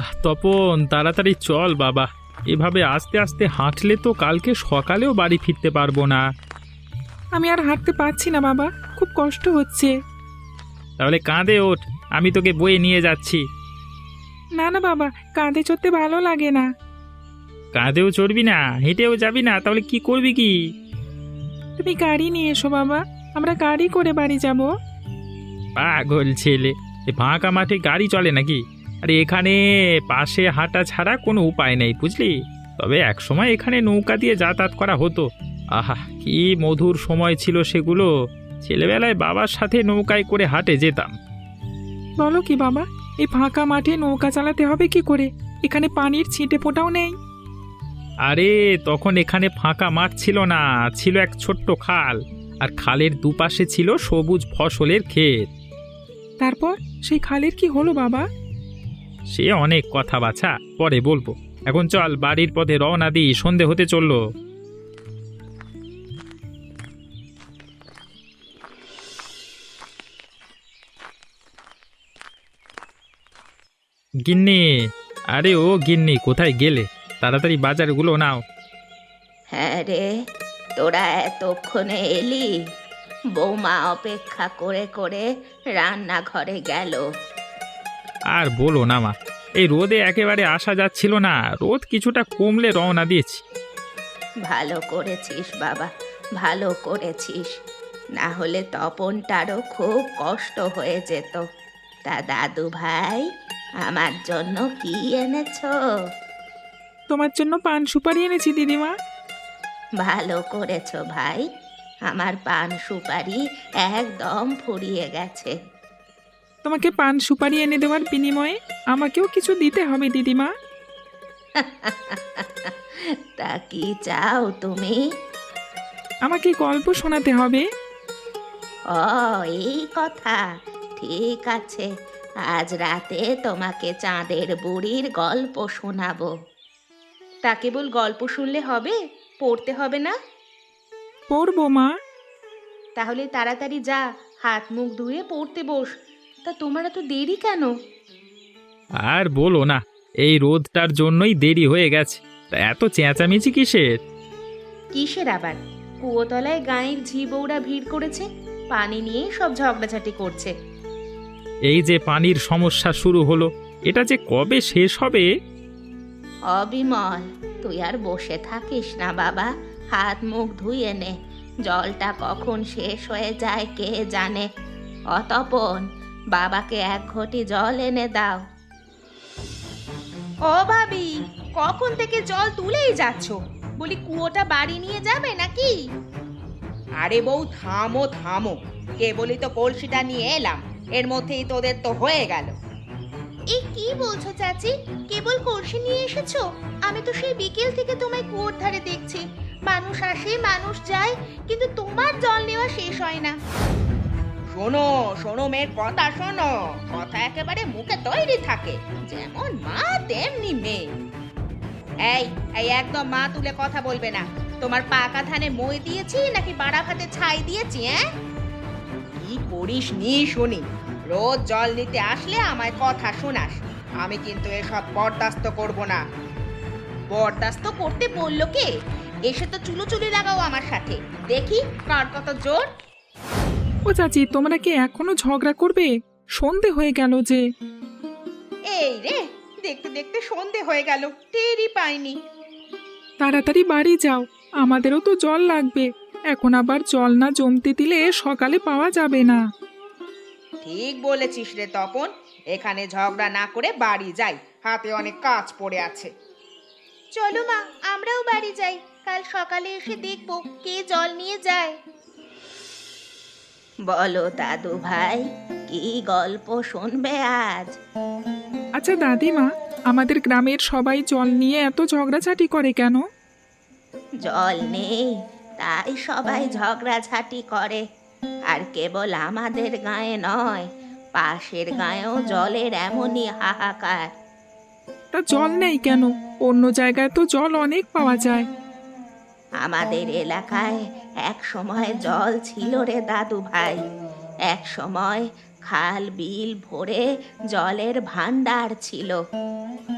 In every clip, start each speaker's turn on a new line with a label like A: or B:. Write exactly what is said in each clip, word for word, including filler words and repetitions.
A: আহ তপন, তাড়াতাড়ি চল বাবা। এভাবে আস্তে আস্তে হাঁটলে তো কালকে সকালেও বাড়ি ফিরতে পারবো না।
B: আমি আর হাঁটতে পারছি না বাবা, খুব কষ্ট হচ্ছে।
A: তাহলে কাঁধে ওঠ, আমি তোকে বয়ে নিয়ে যাচ্ছি।
B: না না বাবা, কাঁধে চড়তে ভালো লাগে না।
A: কাঁধেও চড়বি না, হেঁটেও যাবি না, তাহলে কি করবি কি?
B: তুমি গাড়ি নিয়ে এসো বাবা, আমরা গাড়ি করে বাড়ি যাব।
A: পাগল ছেলে, এ ফাঁকা মাঠে গাড়ি চলে নাকি? আরে এখানে পাশে হাঁটা ছাড়া কোনো উপায় নেই, বুঝলি? তবে এক সময় এখানে নৌকা দিয়ে যাতায়াত করা হতো। আহা, কি মধুর সময় ছিল সেগুলো। ছেলেবেলায় বাবার সাথে নৌকায় করে হাটে যেতাম।
B: বলো কি বাবা, এই ফাঁকা মাঠে নৌকা চালাতে হবে কি করে? এখানে পানির ছিটে ফোঁটাও নেই।
A: আরে তখন এখানে ফাঁকা মাঠ ছিল না, ছিল এক ছোট্ট খাল। আর খালের দুপাশে ছিল সবুজ ফসলের ক্ষেত।
B: তারপর সেই খালের কি হলো বাবা?
A: সে অনেক কথা বাছা, পরে বলবো। এখন চল, বাড়ির পথে রওনা দিই, সন্ধে হতে চললো। গিন্নি, আরে ও গিন্নি, কোথায় গেলে? তাড়াতাড়ি বাজারগুলো নাও।
C: হ্যাঁ রে, তোরা এতক্ষণে এলি? বৌমা অপেক্ষা করে করে রান্নাঘরে গেল।
A: আর বলো না মা, এই রোদে একেবারে আসা যাচ্ছিল না। রোদ কিছুটা কমলে রওনা দিয়েছি।
C: ভালো করেছিস বাবা, ভালো করেছিস। না হলে তপনটারও খুব কষ্ট হয়ে যেত। তা দাদু ভাই, আমার জন্য কি এনেছো?
B: তোমার জন্য পান সুপারি এনেছি দিদিমা।
C: ভালো করেছো ভাই, আমার পান সুপারি একদম ফুরিয়ে গেছে।
B: তোমাকে পান সুপারি এনে দেওয়ার বিনিময়ে আমাকেও কিছু দিতে হবে দিদিমা।
C: তা কি চাও তুমি?
B: আমাকে গল্প শোনাতে হবে।
C: ও, এই কথা, ঠিক আছে। আজ রাতে তোমাকে চাঁদের বুড়ির গল্প শোনাবো। তা কেবল গল্প শুনলে হবে? পড়তে হবে না?
B: পড়বো মা।
C: তাহলে তাড়াতাড়ি যা, হাত মুখ ধুয়ে পড়তে বস। তা তোমার এত দেরি কেন?
A: আর বলো না, এই রোদটার জন্যই দেরি হয়ে গেছে। তা এত চেঁচামেচি কিসের?
C: কিসের আবার? কুয়োতলায় গাঁয়ের ঝি বউরা ভিড় করেছে, পানি নিয়ে সব ঝগড়াঝাটি করছে।
A: এই যে পানির সমস্যা শুরু হলো, এটা যে কবে শেষ হবে?
C: অবিমল, তুই আর বসে থাকিস না বাবা, হাত মুখ ধুয়ে নে। জলটা কখন শেষ হয়ে যায় কে জানে। অতপন, বাবাকে এক ঘটি জল এনে দাও। ও ভাবি, কখন থেকে জল তুলেই যাচ্ছ? বলি কুয়োটা বাড়ি নিয়ে যাবে নাকি?
D: আরে বউ, থামো থামো, কেবলই তো কলসিটা নিয়ে এলাম, এর মধ্যেই তোদের তো হয়ে গেল।
C: এ কি বলছো চাচি? কেবল কলসি নিয়ে এসেছো? আমি তো সেই বিকেল থেকে তোমায় কুয়োর ধারে দেখছি। মানুষ আসে মানুষ যায়, কিন্তু তোমার জল নেওয়া শেষ হয় না।
D: শোনো শোনো মেয়ের কথা শোনো, কথা একেবারে মুখে তৈরি থাকে, যেমন মা তেমনি মেয়ে। এই এই একদম মা তুলে কথা বলবে না। তোমার পাকা ধানে মই দিয়েছি নাকি বাড়া ভাতে ছাই দিয়েছি? হ্যাঁ, কি করিস নি শুনি? রোজ জল নিতে আসলে আমায় কথা শোনাস। আমি কিন্তু এসব বরদাস্ত করব না।
C: বরদাস্ত করতে বললো কে? এসে তো চুলোচুলি লাগাও আমার সাথে, দেখি কার কত জোর।
B: ও চাচি, তোমরা কি এখনো ঝগড়া করবে? সন্ধে হয়ে গেল যে।
D: এই রে, দেখতে দেখতে সন্ধে হয়ে গেল, টেরই পাইনি।
B: তাড়াতাড়ি বাড়ি যাও, আমাদেরও তো জল লাগবে। এখন আবার জল না জমতে দিলে সকালে পাওয়া যাবে না।
D: ঠিক বলেছিস রে তপন, এখানে ঝগড়া না করে বাড়ি যাই, হাতে অনেক কাজ পড়ে আছে।
C: চলো মা, আমরাও বাড়ি যাই। কাল সকালে এসে দেখবো কে জল নিয়ে যায়। বলো দাদু ভাই, কি গল্প শুনবে আজ?
B: আচ্ছা দাদিমা, আমাদের গ্রামের সবাই জল নিয়ে এত ঝগড়াঝাটি করে কেন?
C: জল নেই তাই সবাই ঝগড়াঝাটি করে। আর কেবল আমাদের গায়ে নয়, পাশের গায়েও জলের এমনই হাহাকার।
B: তা জল নেই কেন? অন্য জায়গায় তো জল অনেক পাওয়া যায়।
C: আমাদের এলাকায় এক সময় জল ছিল রে দাদু ভাই। এক সময় খাল বিল ভরে জলের ভান্ডার ছিল।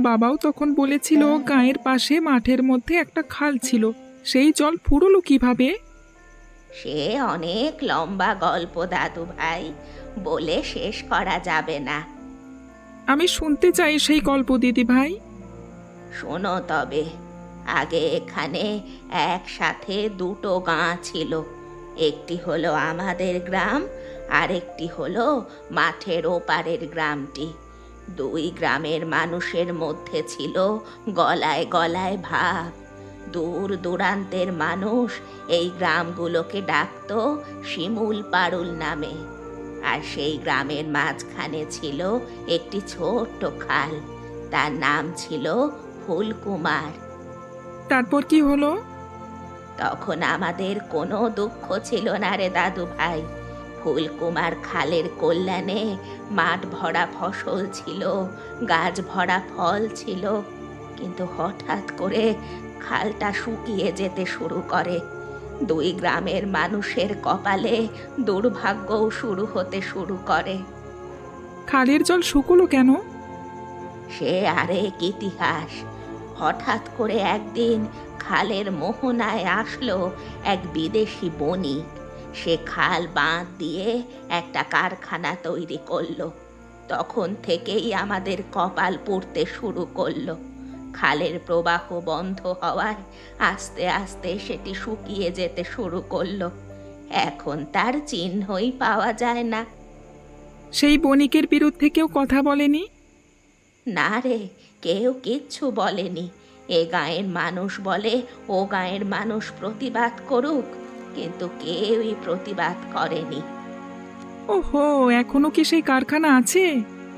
B: বাবাও তখন বলেছিল গায়ের পাশে মাঠের মধ্যে একটা খাল ছিল, সেই জল ফুরলো কিভাবে?
C: সে অনেক লম্বা গল্প দাদু ভাই, বলে শেষ করা যাবে না।
B: আমি শুনতে চাই সেই গল্প দিদি ভাই।
C: শোনো তবে, আগে এখানে একসাথে দুটো গাঁ ছিল। একটি হলো আমাদের গ্রাম, আর একটি হলো মাঠের ওপারের গ্রামটি। দুই গ্রামের মানুষের মধ্যে ছিল গলায় গলায় ভাব। দূর দূরান্তের মানুষ এই গ্রামগুলোকে ডাকতো শিমুল পাড়ুল নামে। আর সেই গ্রামের মাঝখানে ছিল একটি ছোট্ট খাল, তার নাম ছিল ফুলকুমার।
B: তারপর কি হলো?
C: তখন আমাদের কোনো দুঃখ ছিল না রে দাদু ভাই। ফুলকুমার খালের কল্যাণে মাঠ ভরা ফসল ছিল, গাছ ভরা ফল ছিল। কিন্তু হঠাৎ করে খালটা শুকিয়ে যেতে শুরু করে। দুই গ্রামের মানুষের কপালে দুর্ভাগ্যও শুরু হতে শুরু করে।
B: খালের জল শুকলো কেন?
C: সে আরেক ইতিহাস। হঠাৎ করে একদিন খালের মোহনায় আসলো এক বিদেশি বণিক। সে খাল বাঁধ দিয়ে একটা কারখানা তৈরি করলো। তখন থেকেই আমাদের কপাল পুড়তে শুরু করলো। খালের প্রবাহ বন্ধ হওয়ায় আস্তে আস্তে সেটি শুকিয়ে যেতে শুরু করলো। এখন তার চিহ্নই পাওয়া যায় না।
B: সেই বণিকের বিরুদ্ধে কেউ কথা বলেনি?
C: না রে, কেউ কিচ্ছু বলেনি। এ গাঁয়ের মানুষ বলে ও গাঁয়ের মানুষ প্রতিবাদ করুক, কিন্তু কেউই প্রতিবাদ করেনি।
B: ওহো, এখনো কি সেই কারখানা আছে?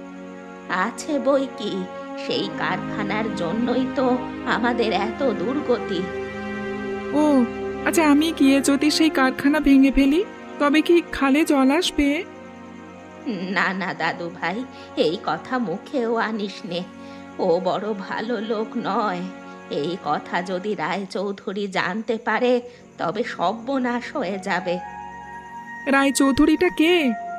C: আছে বই কি, সেই কারখানার জন্যই তো আমাদের এত দুর্গতি।
B: ও আচ্ছা, আমি গিয়ে যদি সেই কারখানা ভেঙে ফেলি তবে কি খালে জল আসবে?
C: না না দাদু ভাই, এই কথা মুখেও আনিস নে। ও বড় ভালো লোক নয়। এই কথা যদি রায়চৌধুরী জানতে পারে তবে সর্বনাশ হয়ে যাবে।
B: রায়চৌধুরীটা কে?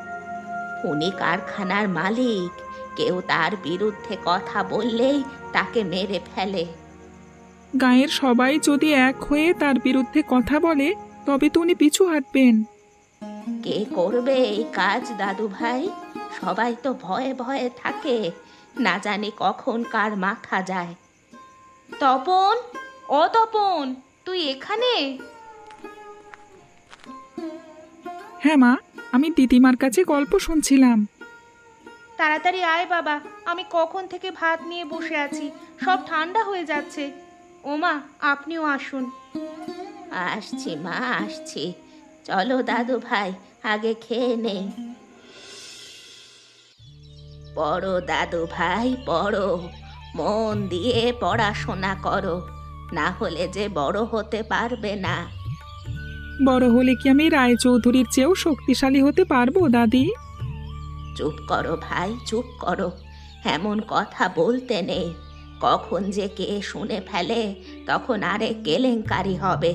C: উনি কারখানার মালিক। কেউ তার বিরুদ্ধে কথা বললেই তাকে মেরে ফেলে।
B: গাঁয়ের সবাই যদি এক হয়ে তার বিরুদ্ধে কথা বলে তবে তো উনি পিছু হটবেন।
C: কে করবে এই কাজ দাদু ভাই? সবাই তো ভয়ে ভয়ে থাকে, না জানি কখন কার মাথা যায়। তপন, ও তপন, তুই এখানে?
B: হ্যাঁ মা, আমি দিদিমার কাছে গল্প শুনছিলাম।
D: তাড়াতাড়ি আয় বাবা, আমি কখন থেকে ভাত নিয়ে বসে আছি, সব ঠান্ডা হয়ে যাচ্ছে। ওমা, আপনিও আসুন।
C: আসছি মা, আসছি। চলো দাদু ভাই, আগে খেয়ে নেই। পড়ো দাদু ভাই, পড়ো। মন দিয়ে পড়াশোনা করো, না হলে যে বড় হতে পারবে না।
B: বড় হলে কি আমি রায়চৌধুরীর চেয়েও শক্তিশালী হতে পারবো দাদি?
C: চুপ করো ভাই, চুপ করো। এমন কথা বলতে নেই। কখন যে কে শুনে ফেলে তখন আরেক কেলেঙ্কারি হবে।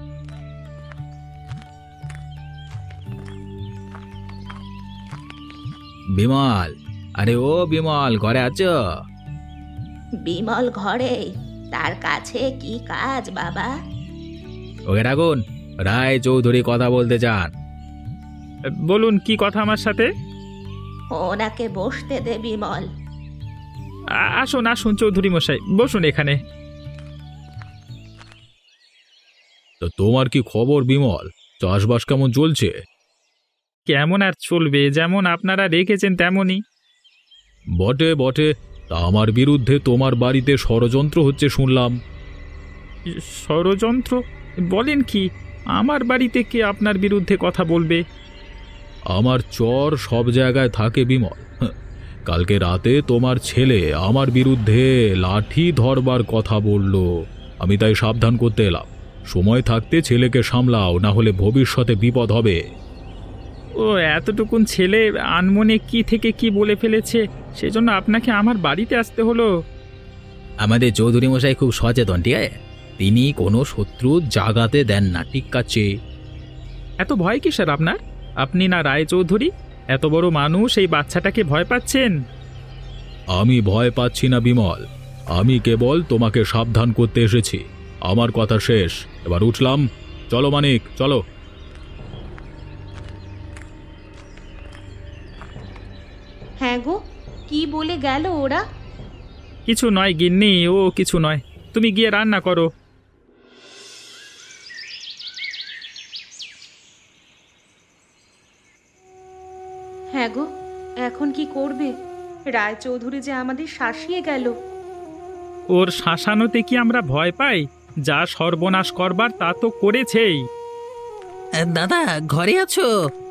E: বিমল, আরে ও বিমল, ঘরে আছো?
C: বিমল ঘরে? তার কাছে কি কাজ বাবা?
E: ওকে ডাকুন, রায় চৌধুরী কথা বলতে চান।
A: বলুন, কি কথা আমার সাথে?
C: ওনাকে বসতে দে বিমল।
A: আ- আসুন আসুন চৌধুরী মশাই, বসুন এখানে।
E: তো তোমার কি খবর বিমল? চাষবাস কেমন চলছে?
A: কেমন আর চলবে, যেমন আপনারা রেখেছেন তেমনই।
E: বটে বটে, তা আমার বিরুদ্ধে তোমার বাড়িতে ষড়যন্ত্র হচ্ছে শুনলাম।
A: ষড়যন্ত্র? বলেন কি? আমার বাড়িতে কে আপনার বিরুদ্ধে কথা বলবে?
E: আমার চর সব জায়গায় থাকে বিমল। হাহ, কালকে রাতে তোমার ছেলে আমার বিরুদ্ধে লাঠি ধরবার কথা বলল। আমি তাই সাবধান করতে এলাম। সময় থাকতে ছেলেকে সামলাও, না হলে ভবিষ্যতে বিপদ হবে।
A: ও এতটুকুন ছেলে আনমনে কি থেকে কি বলে ফেলেছে, সেজন্য আপনাকে আমার বাড়িতে আসতে হলো।
E: আমাদের চৌধুরী মশাই খুব সচেতন, ঠিক আছে? তিনি কোনো শত্রু জাগাতে দেন না, ঠিক আছে?
A: এত ভয় কি স্যার আপনার? আপনি না রায়চৌধুরী, এত বড় মানুষ, এই বাচ্চাটাকে ভয় পাচ্ছেন?
E: আমি ভয় পাচ্ছি না বিমল। আমি কেবল তোমাকে সাবধান করতে এসেছি। আমার কথা শেষ, এবার উঠলাম। চলো মানিক, চলো।
C: হ্যাঁ গো, কি বলে গেল ওরা?
A: কিছু নয় গিন্নি, ও কিছু নয়, তুমি গিয়ে রান্না করো।
C: হ্যাঁ গো, এখন কি করবে? রায়চৌধুরী যে আমাদের শাসিয়ে গেল।
A: ওর শাসানোতে কি আমরা ভয় পাই? যা সর্বনাশ করবার তা তো করেছেই।
F: দাদা, ঘরে আছো?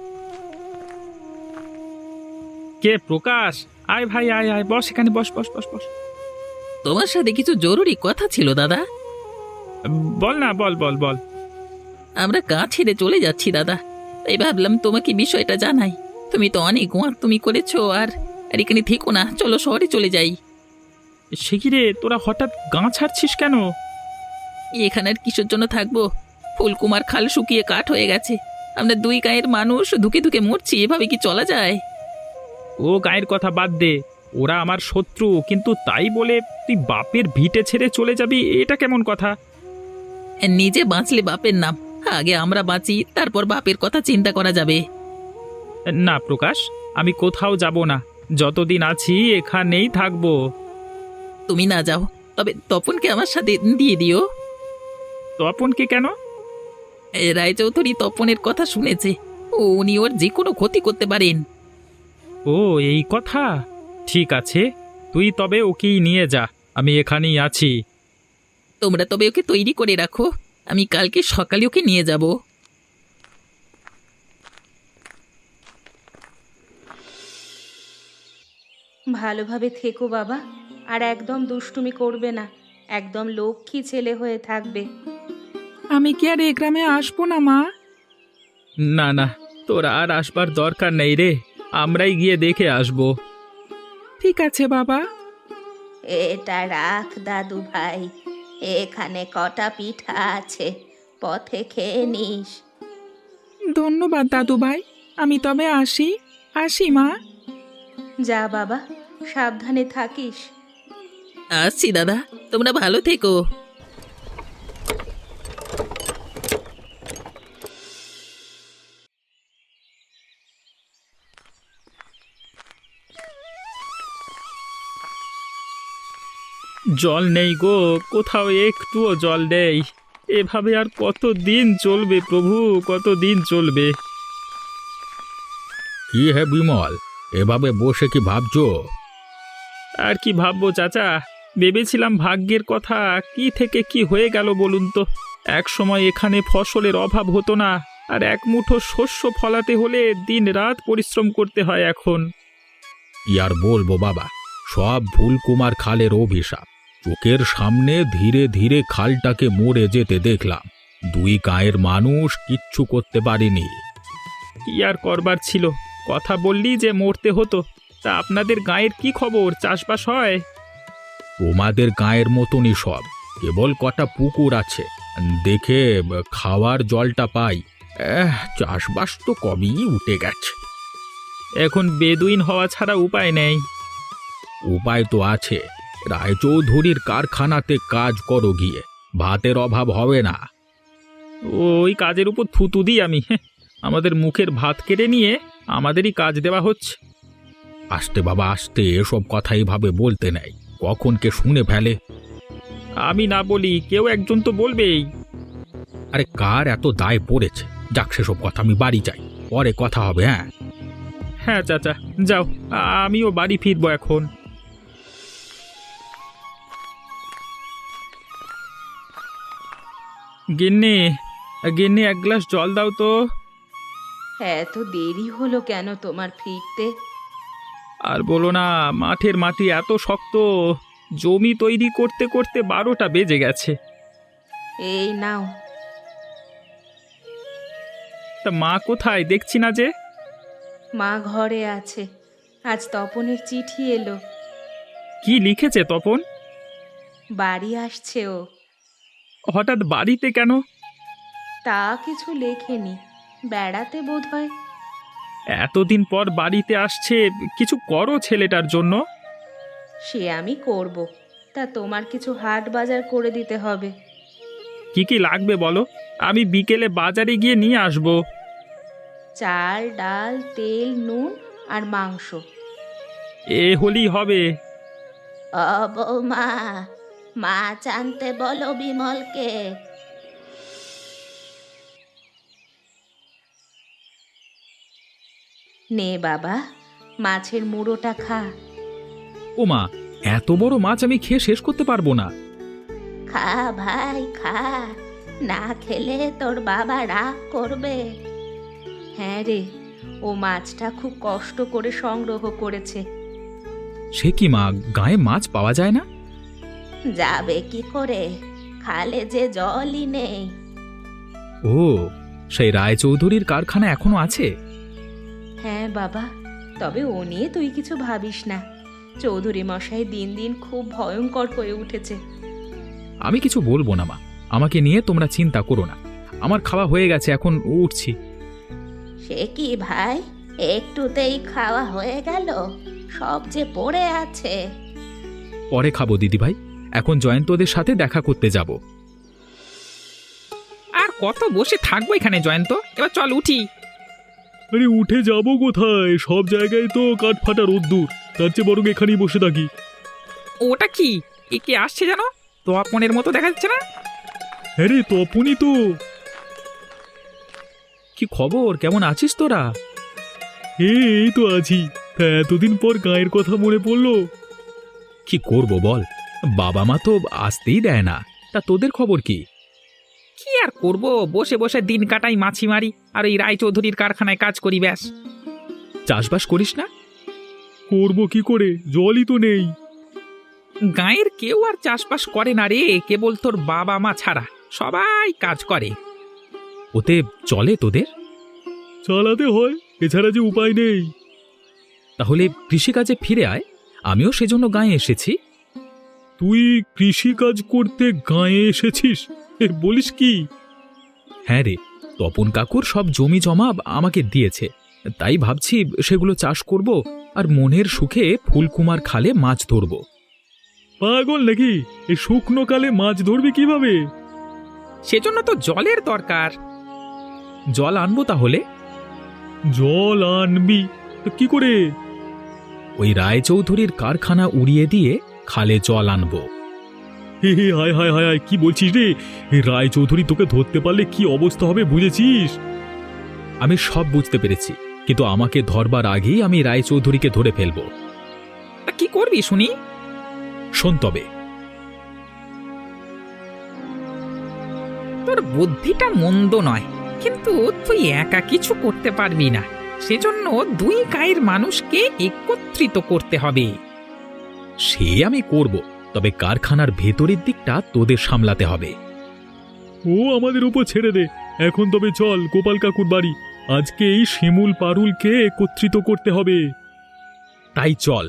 A: কে? প্রকাশ? আয় ভাই, আয় আয়, বস এখানে, বস বস বস বস।
F: তোমার সাথে কিছু জরুরি কথা ছিল দাদা।
A: বল না, বল বল বল।
F: আমরা গাঁ ছেড়ে চলে যাচ্ছি দাদা, তাই ভাবলাম তোমাকে বিষয়টা জানাই। তুমি তো অনেক গোয়ার তুমি করেছো, আর আর এখানে থেকো না, চলো শহরে চলে যাই।
A: সে কি রে, তোরা হঠাৎ গাঁ ছাড়ছিস কেন?
F: এখানে আর কিসের জন্য থাকবো? ফুলকুমার খাল শুকিয়ে কাঠ হয়ে গেছে, আমরা দুই গায়ের মানুষ ধুকে ধুকে মরছি, এভাবে কি চলা যায়?
A: ও গায়ের কথা বাদ দে, ওরা আমার শত্রু, কিন্তু তাই বলে তুই বাপের ভিটে ছেড়ে চলে যাবি, এটা কেমন কথা?
F: নিজে বাঁচলে বাপের নাম, আগে আমরা বাঁচি, তারপর বাপের কথা চিন্তা করা যাবে।
A: না প্রকাশ, আমি কোথাও যাব না, যতদিন আছি এখানেই থাকবো।
F: তুমি না যাও, তবে তপনকে আমার সাথে দিয়ে দিও।
A: তপনকে কেন?
F: এ, রায়চৌধুরী তপনের কথা শুনেছে, ও উনি ওর যে কোনো ক্ষতি করতে পারেন।
A: ও এই কথা, ঠিক আছে, তুই তবে ওকেই নিয়ে যা, আমি এখানেই আছি।
F: তোমরা তবে ওকে তৈরি করে রাখো, আমি কালকে সকালে ওকে নিয়ে যাব।
C: ভালোভাবে থেকো বাবা, আর একদম দুষ্টুমি করবে না, একদম লক্ষ্মী ছেলে হয়ে থাকবে।
B: আমি কি আর এ গ্রামে আসবো না মা?
A: না না, তোর আর আসবার দরকার নেই রে, আমরাই গিয়ে দেখে আসবো।
B: ঠিক আছে বাবা।
C: এটা রাখ দাদু ভাই, এখানে কটা পিঠা আছে, পথে খেয়ে নিস।
B: ধন্যবাদ দাদু ভাই, আমি তবে আসি আসি মা।
C: যা বাবা, সাবধানে থাকিস।
F: আসছি দাদা, তোমরা ভালো থেকো।
A: জল নেই গো, কোথাও একটুও জল নেই, এভাবে আর কত দিন চলবে প্রভু, কত দিন চলবে?
E: কি হে বিমল, এভাবে বসে কি ভাবছো?
A: আর কি ভাববো চাচা, ভেবেছিলাম ভাগ্যের কথা, কি থেকে কি হয়ে গেল বলুন তো। এক সময় এখানে ফসলের অভাব হতো না, আর এক মুঠো শস্য ফলাতে হলে দিন রাত পরিশ্রম করতে হয় এখন।
E: কি আর বলবো বাবা, সব ফুলকুমার খালের অভিশাপ। চোখের সামনে ধীরে ধীরে খালটাকে মরে যেতে দেখলাম, দুই গায়ের মানুষ কিচ্ছু করতে পারিনি।
A: কি আর করবার ছিল, কথা বললি যে মরতে হতো। তা আপনাদের গায়ের কি খবর, চাষবাস হয়?
E: তোমাদের গায়ের মতনই সব, কেবল কটা পুকুর আছে, দেখে খাওয়ার জলটা পাই। এহ, চাষবাস তো কবেই উঠে গেছে।
A: এখন বেদুইন হওয়া ছাড়া উপায় নেই।
E: উপায় তো আছে, রায়চৌধুরীর কারখানাতে কাজ করো গিয়ে, ভাতের অভাব হবে না।
A: ওই কাজের উপর থুতু দিই আমি, হ্যাঁ, আমাদের মুখের ভাত কেড়ে নিয়ে আমাদেরই কাজ দেওয়া হচ্ছে।
E: আস্তে বাবা আস্তে, এসব কথা এইভাবে বলতে নেই, কখন কে শুনে ফেলে।
A: আমি না বলি কেউ একজন তো বলবেই।
E: আরে কার এত দায় পড়েছে, যাক সেসব কথা, আমি বাড়ি যাই, পরে কথা হবে। হ্যাঁ
A: হ্যাঁ চাচা, যাও, আমিও বাড়ি ফিরবো এখন। গিন্নি, গিন্নি এক গ্লাস জল দাও তো।
C: এত দেরি হলো কেন তোমার ফিরতে?
A: আর বলো না, মাঠের মাটি এত শক্ত, জমি তৈরি করতে করতে বারোটা বেজে গেছে।
C: এই নাও।
A: তা মা কোথায়, দেখছি না যে?
C: মা ঘরে আছে, আজ তপনের চিঠি এলো।
A: কি লিখেছে তপন?
C: বাড়ি আসছে ও।
A: হঠাৎ বাড়িতে কেন?
C: তা কিছু লেখেনি, বেড়াতে বোধহয়।
A: এতদিন পর বাড়িতে আসছে, কিছু করো ছেলেটার জন্য।
C: সে আমি করব, তা তোমার কিছু হাট বাজার করে দিতে হবে।
A: কি কি লাগবে বলো, আমি বিকেলে বাজারে গিয়ে নিয়ে আসবো।
C: চাল, ডাল, তেল, নুন আর মাংস।
A: এ হলেই হবে।
C: ও বৌমা, মাছ আনতে বলো বিমলকে। নে বাবা, মাছের মুড়োটা খা।
E: ও মা, এত বড় মাছ আমি খেয়ে শেষ করতে পারবো না।
C: খা ভাই খা, না খেলে তোর বাবা রাগ করবে। হ্যাঁ রে, ও মাছটা খুব কষ্ট করে সংগ্রহ করেছে।
E: সে কি মা, গায়ে মাছ পাওয়া যায় না?
C: যাবে কি করে, খালে যে জলই নেই।
E: ও, সেই রায়চৌধুরীর কারখানা এখনো আছে?
C: হ্যাঁ বাবা, তবে ও নিয়ে তুই কিছু ভাবিস না। চৌধুরী মশাই দিন দিন খুব ভয়ঙ্কর হয়ে উঠেছে।
E: আমি কিছু বলবো না মা, আমাকে নিয়ে তোমরা চিন্তা করো না। আমার খাওয়া হয়ে গেছে, এখন উঠছি।
C: সে কি ভাই, একটুতেই খাওয়া হয়ে গেল? সব যে পড়ে আছে।
E: পরে খাবো দিদি ভাই, এখন জয়ন্তদের সাথে দেখা করতে যাব।
A: আর কত বসে থাকবো এখানে জয়ন্ত, এবার চল উঠি।
E: আরে উঠে যাব কোথায়, সব জায়গায় তো কাঠ ফাটা রোদ্দুর, তার চেয়ে বরং এখানেই বসে থাকি।
A: ওটা কি, এ কে আসছে জানো? তো আপনের মতো দেখা যাচ্ছে না?
E: হ্যাঁ রে, তপনই তো। কি খবর, কেমন আছিস তোরা? এই তো আছি। তা এতদিন পর গায়ের কথা মনে পড়লো। কি করব বল, বাবা মা তো আসতেই দেয় না। তা তোদের খবর কি?
A: কি আর করব, বসে বসে দিন কাটাই, মাছি মারি আর এই রায়চৌধুরীর কারখানায় কাজ করি ব্যাস।
E: চাষবাস করিস না? করব কি করে, জলই তো নেই।
A: গাঁয়ের কেউ আর চাষবাস করে না রে, কেবল তোর বাবা মা ছাড়া সবাই কাজ করে।
E: ওতে চলে তোদের? চালাতে হয়, এছাড়া যে উপায় নেই। তাহলে কৃষিকাজে ফিরে আয়, আমিও সেজন্য গাঁয়ে এসেছি। তুই কৃষিকাজ করতে গাঁয়ে এসেছিস, বলিস কি? হ্যাঁ রে, তপন কাকুর সব জমি জমা আমাকে দিয়েছে, তাই ভাবছি সেগুলো চাষ করব আর মনের সুখে ফুলকুমার খালে মাছ ধরব। পাগল নাকি, এই শুকনো কালে মাছ ধরবি কিভাবে?
A: সেজন্য তো জলের দরকার।
E: জল আনবো তাহলে? জল আনবি তো কি করে? ওই রায়চৌধুরীর কারখানা উড়িয়ে দিয়ে খালে জল আনবো। হে হে, হায় হায় হায় হায়, কি বলছিস রে? রায়চৌধুরী তোকে ধরতে পারলে কি অবস্থা হবে বুঝেছিস? আমি সব বুঝতে পেরেছি, কিন্তু আমাকে ধরবার আগেই আমি রায়চৌধুরীকে ধরে ফেলবো।
A: তা কি করবি শুনি?
E: শোন তবে।
A: তোর বুদ্ধিটা মন্দ নয়, কিন্তু তুই একা কিছু করতে পারবি না। সেজন্য দুই গায়ের মানুষকে একত্রিত করতে হবে।
E: সে আমি করব, তবে কারখানার ভেতরের দিকটা তোদের সামলাতে হবে। ও আমাদের উপর ছেড়ে দে, এখন তবে চল গোপাল কাকুর বাড়ি। আজকে এই শিমুল পারুলকে একত্রিত করতে হবে। তাই চল।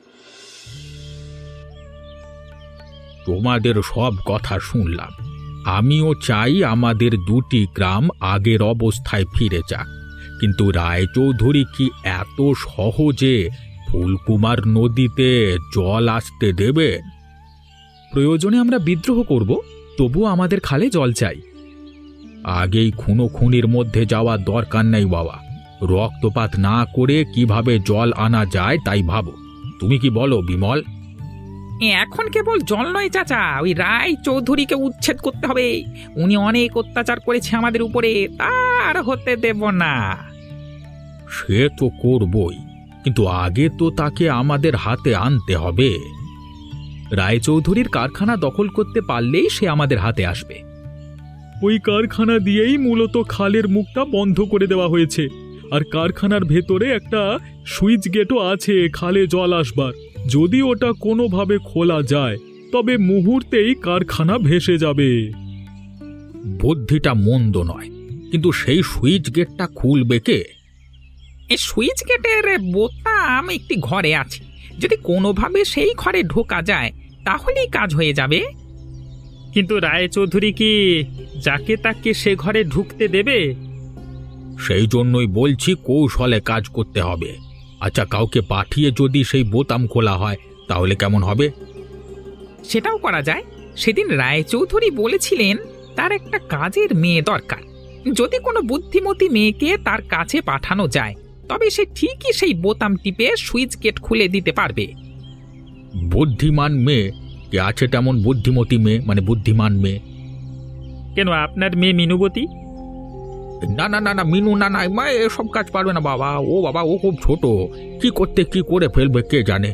E: তোমাদের সব কথা শুনলাম, আমিও চাই আমাদের দুটি গ্রাম আগের অবস্থায় ফিরে যাক, কিন্তু রায়চৌধুরী কি এত সহজে ফুলকুমার নদীতে জল আসতে দেবেন? প্রয়োজনে আমরা বিদ্রোহ করব, তবুও আমাদের খালে জল চাই। আগেই খুনো খুনির মধ্যে যাওয়ার দরকার নেই বাবা, রক্তপাত না করে কিভাবে জল আনা যায় তাই ভাবো। তুমি কি বলো বিমল?
A: এখন কেবল জল নয় চাচা, ওই রায় চৌধুরীকে উচ্ছেদ করতে হবে। উনি অনেক অত্যাচার করেছে আমাদের উপরে, তার হতে দেব না।
E: সে তো করবই, কিন্তু আগে তো তাকে আমাদের হাতে আনতে হবে। রায়চৌধুরীর কারখানা দখল করতে পারলেই সে আমাদের হাতে আসবে। ওই কারখানা দিয়েই মূলত খালের মুখটা বন্ধ করে দেওয়া হয়েছে, আর কারখানার ভেতরে একটা সুইচ গেটও আছে খালে জল আসবার। যদি ওটা কোনোভাবে খোলা যায় তবে মুহূর্তেই কারখানা ভেসে যাবে। বুদ্ধিটা মন্দ নয়, কিন্তু সেই সুইচ গেটটা খুলবে কে?
A: এই সুইচ গেটের বোতাম একটি ঘরে আছে, যদি কোনোভাবে সেই ঘরে ঢোকা যায় তাহলেই কাজ হয়ে যাবে। কিন্তু রায়চৌধুরী কি যাকে তাকে সে ঘরে ঢুকতে দেবে?
E: সেই জন্যই বলছি কৌশলে কাজ করতে হবে। আচ্ছা, কাউকে পাঠিয়ে যদি সেই বোতাম খোলা হয় তাহলে কেমন হবে?
A: সেটাও করা যায়। সেদিন রায়চৌধুরী বলেছিলেন তার একটা কাজের মেয়ে দরকার। যদি কোনো বুদ্ধিমতী মেয়েকে তার কাছে পাঠানো যায় তবে সে ঠিকই সেই বোতাম টিপে সুইচ গেট খুলে দিতে পারবে।
E: বুদ্ধিমান মেয়ে? কে আছে তেমন বুদ্ধিমতী মেয়ে, মানে বুদ্ধিমান মেয়ে?
A: কেন, আপনার মেয়ে মিনুবতী?
E: না না না না, মিনু না না, মা এসব কাজ পারবে না বাবা। ও বাবা, ও খুব ছোট, কি করতে কি করে ফেলবে কে জানে।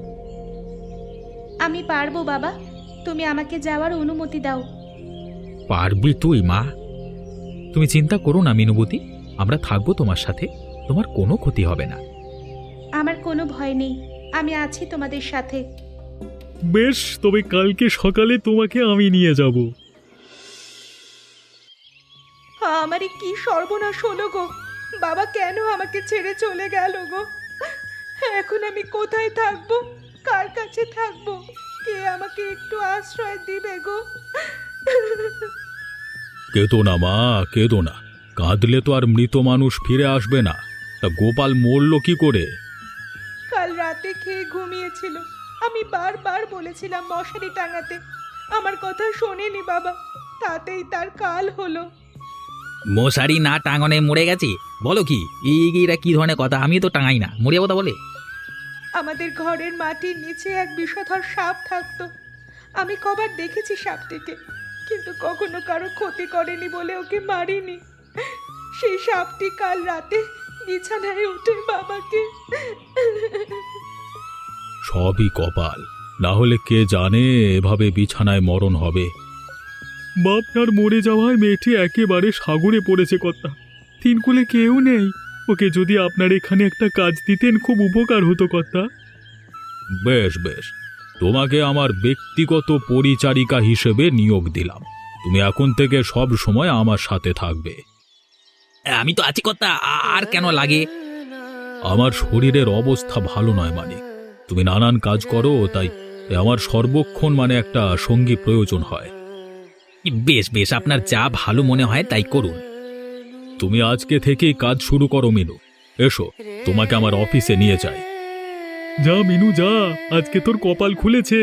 C: আমি পারবো বাবা, তুমি আমাকে যাওয়ার অনুমতি দাও।
E: পারবি তুই মা?
A: তুমি চিন্তা করো না মিনুবতী, আমরা থাকবো তোমার সাথে, তোমার কোনো ক্ষতি হবে না।
C: আমার কোনো ভয় নেই, আমি আছি তোমাদের সাথে।
E: বেশ, তবে কালকে সকালে তোমাকে আমি নিয়ে যাব।
D: আমারই কি সর্বনাশ হলো গো! বাবা কেন আমাকে ছেড়ে চলে গেল গো? এখন আমি কোথায় থাকবো, কার কাছে থাকবো? কে আমাকে একটু আশ্রয় দিবে গো?
E: কেঁদো না মা, কেঁদো না। কাঁদলে তো আর মৃত মানুষ ফিরে আসবে না। তা গোপাল মরল কি করে?
D: কাল রাতে খেয়ে ঘুমিয়েছিল, আমি বারবার বলেছিলাম মশারি টাঙাতে, আমার কথা শোনেনি বাবা, তাতেই তার কাল হলো।
F: মশারি না টাঙনে মরে গেছে? বলো কি, এইরা কি ধরনের কথা? আমি তো টাঙাই না, মরে কথা বলে।
D: আমাদের ঘরের মাটির নিচে এক বিষধর সাপ থাকতো, আমি কবার দেখেছি সাপটিকে, কিন্তু কখনো কারো ক্ষতি করেনি বলে ওকে মারিনি। সেই সাপটি কাল রাতে বিছানায় উঠে বাবাকে।
E: সবই কপাল, না হলে কে জানে এভাবে বিছানায় মরণ হবে। বাপনার মরে যাওয়ায় মেয়েটি একেবারে সাগরে পড়েছে কর্তা। তিনকুলে কেউ নেই, ওকে যদি আপনার এখানে একটা কাজ দিতেন খুব উপকার হতো কর্তা। বেশ বেশ, তোমাকে আমার ব্যক্তিগত পরিচারিকা হিসেবে নিয়োগ দিলাম। তুমি এখন থেকে সব সময় আমার সাথে থাকবে।
F: আমি তো আছি কথা, আর কেন লাগে?
E: আমার শরীরের অবস্থা ভালো নয় মানে, তুমি নানান কাজ করো, তাই আমার সর্বক্ষণ মানে একটা সঙ্গী প্রয়োজন হয়।
F: বেশ বেশ, আপনার যা ভালো মনে হয় তাই করুন।
E: তুমি আজকে থেকেই কাজ শুরু করো মিনু। এসো, তোমাকে আমার অফিসে নিয়ে যাই। যা মিনু যা, আজকে তোর কপাল খুলেছে।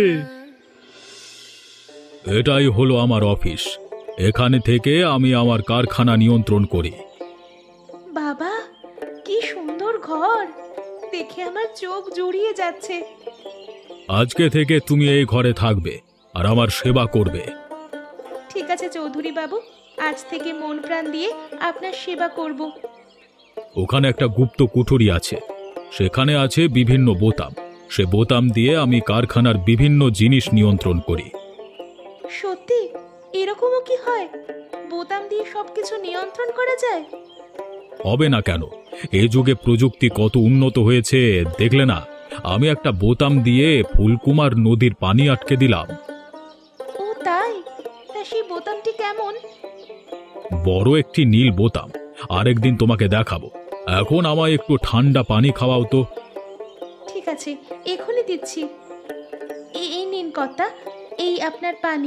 E: এটাই হলো আমার অফিস, এখানে থেকে আমি আমার কারখানা নিয়ন্ত্রণ করি।
C: বাবা, কি সুন্দর ঘর, দেখে আমার চোখ জুড়িয়ে যাচ্ছে।
E: আজকে থেকে তুমি এই ঘরে থাকবে আর আমার সেবা করবে।
C: ঠিক আছে চৌধুরী বাবু, আজ থেকে মন প্রাণ দিয়ে আপনার সেবা করব।
E: ওখানে একটা গুপ্ত কুঠুরি আছে, সেখানে আছে বিভিন্ন বোতাম। সে বোতাম দিয়ে আমি কারখানার বিভিন্ন জিনিস নিয়ন্ত্রণ করি।
C: সত্যি এরকমও কি হয়? বোতাম দিয়ে সবকিছু নিয়ন্ত্রণ করা যায়?
E: হবে না কেন, এই যুগে প্রযুক্তি কত উন্নত হয়েছে দেখলে না? আমি একটা বোতাম দিয়ে ফুলকুমার নদীর পানি আটকে দিলাম।
C: ও তাই? তা সেই বোতামটি কেমন?
E: বড় একটি নীল বোতাম, আরেকদিন তোমাকে দেখাবো। এখন আমায় একটু ঠান্ডা পানি খাওয়াও তো।
C: ঠিক আছে, এখনই দিচ্ছি। এই এই নিন কর্তা, এই আপনার পানি।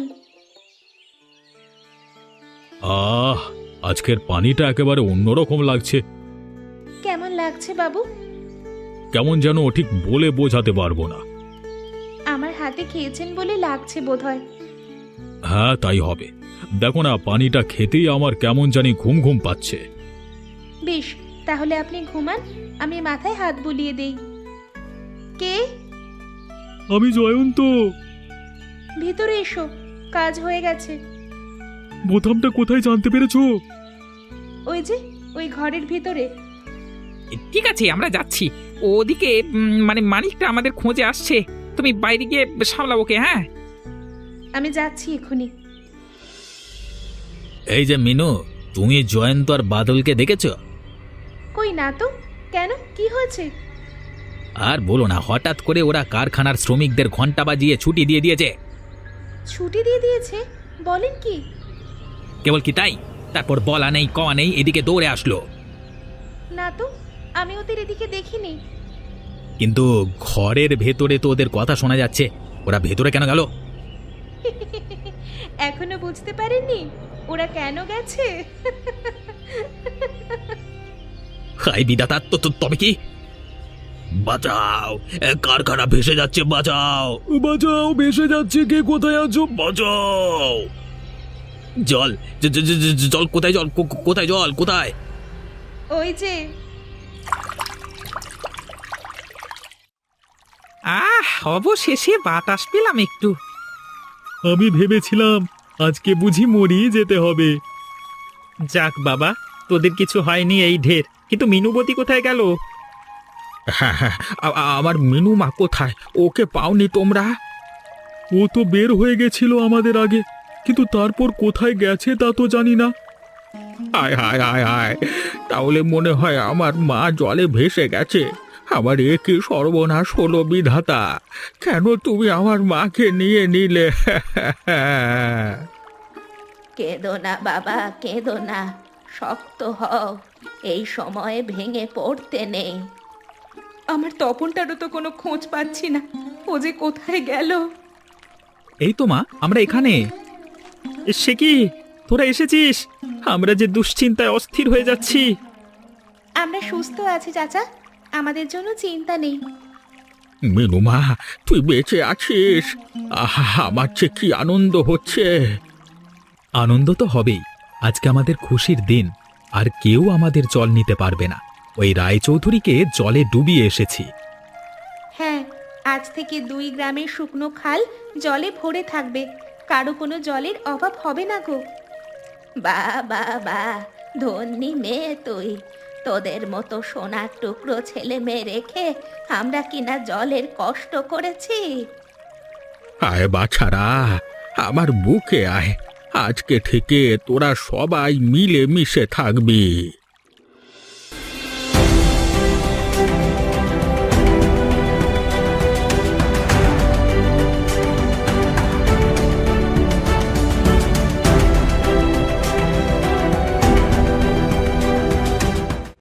E: আহ, আজকের পানিটা একেবারে অন্যরকম লাগছে।
C: কেমন লাগছে বাবু?
E: কেমন যেন ঠিক বলে বোঝাতে পারবো না।
C: আমার হাতে খেয়েছেন বলে লাগছে বোধহয়।
E: হ্যাঁ, তাই হবে। দেখো না, পানিটা খেতেই আমার কেমন জানি ঘুম ঘুম পাচ্ছে।
C: বেশ, তাহলে আপনি ঘুমান, আমি মাথায় হাত বুলিয়ে দেই। কে?
E: আমি জয়ন্ত।
C: ভিতরে এসো, কাজ হয়ে গেছে।
E: বোতামটা কোথায় জানতে পেরেছো?
C: ওই যে ওই ঘরের ভিতরে।
A: ঠিক আছে, আমরা যাচ্ছি। ওদিকে উম, মানে মানিকটা আমাদের খোঁজে আসছে, তুমি বাইরে গিয়ে সামলাও ওকে। হ্যাঁ,
C: আমি যাচ্ছি এখনই।
F: এই যে মিনু, তুমি জয়ন্ত আর বাদলকে দেখেছো?
C: কই না তো, কেন, কি হয়েছে?
F: আর বলো না, হঠাৎ করে ওরা কারখানার শ্রমিকদের ঘন্টা বাজিয়ে ছুটি দিয়ে দিয়েছে।
C: ছুটি দিয়ে দিয়েছে? বলেন কি?
F: কেবল কি তাই, তারপর বলা নেই কওয়া নেই এদিকে দৌড়ে আসলো।
C: না তো, আমি ওদের এদিকে দেখিনি।
F: কিন্তু ঘরের ভেতরে তো ওদের কথা শোনা যাচ্ছে। ওরা ভেতরে কেন গেল?
C: এখনো বুঝতে পারেননি ওরা কেন গেছে?
F: হাই বিধাতা, তো তো- তবে কি?
E: বাঁচাও, এ কারখানা ভেসে যাচ্ছে, বাঁচাও বাঁচাও, ভেসে যাচ্ছে, কে কোথায় আছো, বাঁচাও। জল জ- জ- জ- জ- জল কোথায়, জল কো- কো- কোথায়, জল কোথায়?
D: ওই যে
B: আহ অবশেষে বাতাস পেলাম একটু।
E: আমি ভেবেছিলাম আজকে বুঝি মরি যেতে হবে।
A: যাক বাবা, তোদের কিছু হয়নি এই ঢের, কিন্তু মিনুবতী কোথায় গেল?
E: হ্যাঁ হ্যাঁ, আ- আ- আমার মিনু মা কোথায়, ওকে পাওনি তোমরা? ও তো বের হয়ে গেছিল আমাদের আগে, কিন্তু তারপর কোথায় গেছে তা তো জানি না। হায় হায় হায় হায়, তাহলে মনে হয় আমার মা জলে ভেসে গেছে। আমার এ কি সর্বনাশ হলো বিধাতা, কেন তুমি আমার মাকে নিয়ে নিলে?
C: কেঁদো না বাবা, কেঁদো না, শক্ত হও, এই সময়ে ভেঙে পড়তে নেই।
D: আমার তপনটারও তো কোনো খোঁজ পাচ্ছি না, ও যে কোথায় গেল।
A: এই তো মা, আমরা এখানে। সে কি, তোরা এসেছিস? আমরা যে দুশ্চিন্তায় অস্থির হয়ে যাচ্ছি।
C: আমরা সুস্থ আছি চাচা, আমাদের জন্য চিন্তা নেই।
E: মিনু মা, তুই বেঁচে আছিস, আহা, আমার যে কি আনন্দ হচ্ছে।
A: আনন্দ তো হবেই, আজকে আমাদের খুশির দিন। আর কেউ আমাদের জল নিতে পারবে না। ওই রায়চৌধুরীকে জলে ডুবিয়ে এসেছি।
C: হ্যাঁ, আজ থেকে দুই গ্রামের শুকনো খাল জলে ভরে থাকবে, কারো কোনো জলের অভাব হবে না গো। বা বা বা, ধন্যি মেয়ে তুই, তোদের মতো সোনার টুকরো ছেলে মেয়ে রেখে আমরা কিনা জলের কষ্ট করেছি।
E: আয় বাছারা, আমার বুকে আয়, আজকে থেকে তোরা সবাই মিলে মিশে থাকবি।